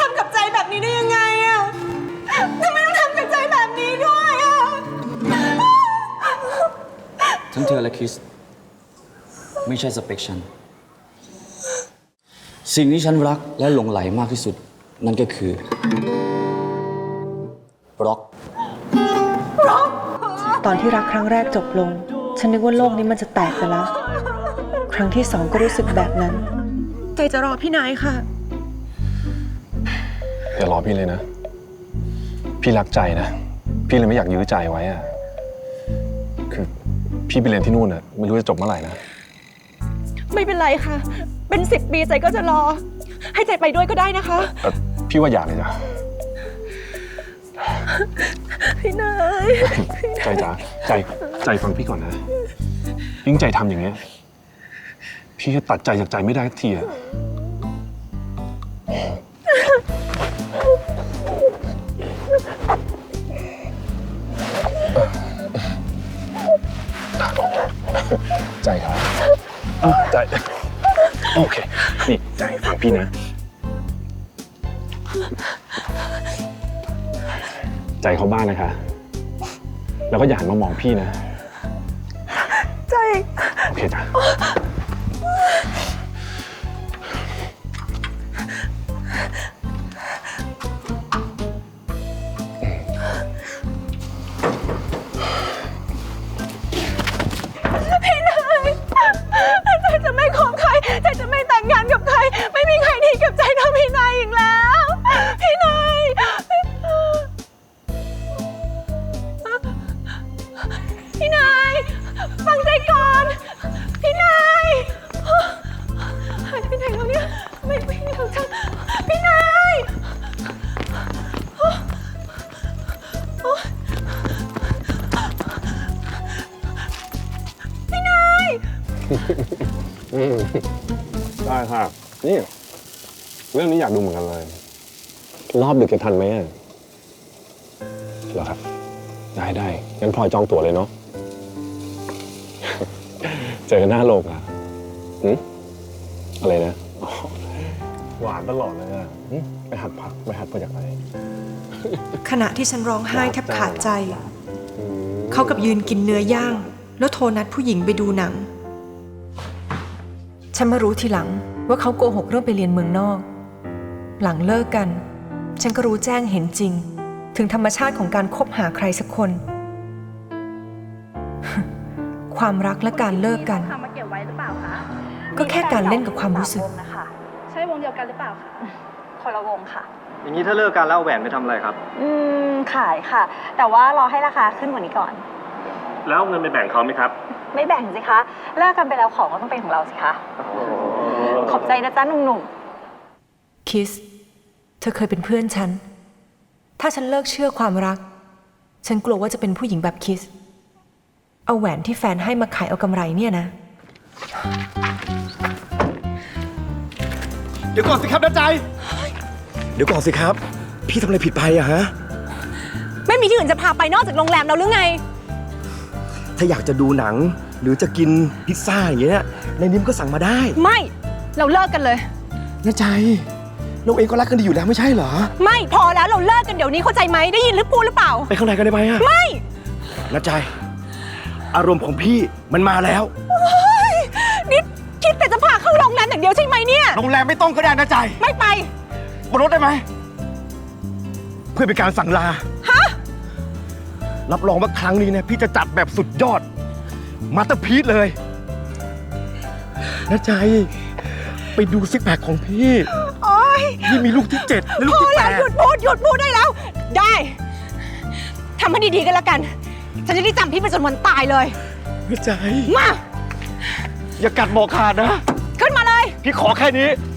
ำกับใจแบบนี้ได้ยังไงอะทำไมต้องทำกับใจแบบนี้ด้วยอะทั้งเธอและคริสไม่ใช่สเปคฉันสิ่งที่ฉันรักและหลงไหลมากที่สุดนั่นก็คือบล็อกตอนที่รักครั้งแรกจบลงฉันนึกว่าโลกนี้มันจะแตกไปแล้ว ครั้งที่สองก็รู้สึกแบบนั้นใจจะรอพี่นายค่ะอย่ารอพี่เลยนะพี่รักใจนะพี่เลยไม่อยากยื้อใจไว้อะคือพี่ไปเรียนที่นู่นอะไม่รู้จะจบเมื่อไหร่นะไม่เป็นไรค่ะเป็น10 ปีใจก็จะรอให้ใจไปด้วยก็ได้นะคะพี่ว่าอยากเลยจ้ะพี่นายใจจ๋าใจฟังพี่ก่อนนะยิ่งใจทำอย่างเงี้ยพี่จะตัดใจจากใจไม่ได้ทีอะใจครับใจโอเคนี่ใจฟังพี่นะใจเขาบ้านนะคะแล้วก็อย่าหันมามองพี่นะใจโอเคจ้ะพี่นายใจจะไม่คบใครใจจะไม่แต่งงานกับใครไม่มีใครดีกับใจเท่าพี่นายอีกแล้วพี่นายพี่นายฟังใจก่อนพี่นายหายไปไหนแล้วเนี่ยไม่รู้จักพี่นายพี่นายได้ค่ะนี่เรื่องนี้อยากดูเหมือนกันเลยรอบดึกจะทันไหมเหรอครับได้งั้นพลอยจองตั๋วเลยเนาะเจอกันหน้าโรงอ่ะอะไรนะหวานตลอดเลยอ่ะไปหัดพักไปหัดมาจากไหนขณะที่ฉันร้องไห้แทบขาดใจเขากับยืนกินเนื้อย่างแล้วโทรนัดผู้หญิงไปดูหนังฉันมารู้ทีหลังว่าเขาโกหกเรื่องไปเรียนเมืองนอกหลังเลิกกันฉันก็รู้แจ้งเห็นจริงถึงธรรมชาติของการคบหาใครสักคน ความรักและการเลิกกันก็แค่การเล่นกับความรู้สึกใช่วงเดียวกันหรือเปล่าคะคนละวงค่ะอย่างนี้ถ้าเลิกกันแล้วเอาแหวนไปทำอะไรครับขายค่ะแต่ว่ารอให้ราคาขึ้นกว่านี้ก่อนแล้วเงินไปแบ่งเขาไหมครับไม่แบ่งสิคะเลิกกันไปแล้วของก็ต้องเป็นของเราสิคะขอบใจนะจ๊ะหนุ่มๆคิสเธอเคยเป็นเพื่อนฉันถ้าฉันเลิกเชื่อความรักฉันกลัวว่าจะเป็นผู้หญิงแบบคิสเอาแหวนที่แฟนให้มาขายเอากำไรเนี่ยนะเดี๋ยวก่อนสิครับน้าใจเดี๋ยวก่อนสิครับพี่ทำอะไรผิดไปอะฮะไม่มีที่อื่นจะพาไปนอกจากโรงแรมเราหรือไงถ้าอยากจะดูหนังหรือจะกินพิซซ่าอย่างเงี้ยในนิ้มก็สั่งมาได้ไม่เราเลิกกันเลยน้าใจเราเองก็รักกันดีอยู่แล้วไม่ใช่เหรอไม่พอแล้วเราเลิกกันเดี๋ยวนี้เข้าใจไหมได้ยินหรือพูดหรือเปล่าไปข้างในกันได้ไหมอะไม่น้าใจอารมณ์ของพี่มันมาแล้วนี่คิดแต่จะพาเข้าโรงแรมอย่างเดียวใช่ไหมเนี่ยโรงแรมไม่ต้องก็ได้นะใจไม่ไปบนรถได้ไหมเพื่อเป็นการสั่งลาฮะรับรองว่าครั้งนี้เนี่ยพี่จะจัดแบบสุดยอดมาสเตอร์พีซเลยนะใจไปดูซิกแพคของพี่พี่มีลูกที่7และลูกที่8 หยุดพูดได้แล้วได้ทำให้ดีๆกันแล้วกันฉันจะได้จำพี่ไปจนวันตายเลยนะใจมาอย่ากัดบอกขาดนะขึ้นมาเลยพี่ขอแค่นี้